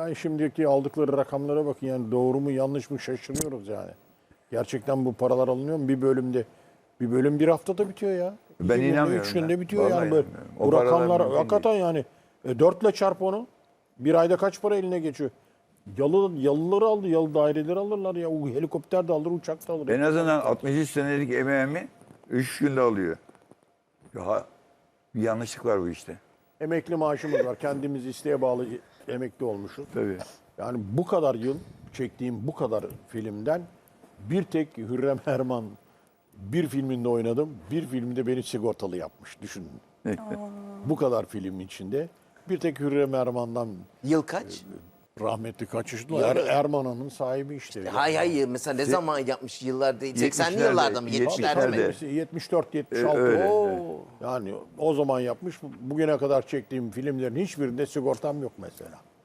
Yani şimdiki aldıkları rakamlara bakın, yani doğru mu yanlış mı şaşırıyoruz yani. Gerçekten bu paralar alınıyor mu bir bölümde? Bir bölüm bir haftada bitiyor ya. Ben 2 günde, inanmıyorum 3 günde ya. bitiyor Vallahi yani. Böyle, inanmıyorum. O bu paralar rakamlar mümkün hakikaten yani. 4 ile çarp onu. Bir ayda kaç para eline geçiyor? Yalıları aldı, yalı daireleri alırlar ya. O helikopter de alır, uçak da alır. En azından 63 senelik emeğimi 3 günde alıyor. Ya, bir yanlışlık var bu işte. Emekli maaşımız var. Kendimiz isteğe bağlı emekli olmuşuz. Tabii. Yani bu kadar yıl çektiğim bu kadar filmden bir tek Hürrem Erman bir filminde oynadım. Bir filmde beni sigortalı yapmış. Düşünün. Bu kadar film içinde bir tek Hürrem Erman'dan Yıl kaç? rahmetli kaçıştılar. Erman'ın sahibi işte. Hayır mesela ne zaman yapmış yıllar değil. 80'li 70'lerde, yıllarda mı? 70'lerde mi? 70'lerde. 74 76. Öyle, Oo. evet. Yani o zaman yapmış. Bugüne kadar çektiğim filmlerin hiçbirinde sigortam yok mesela.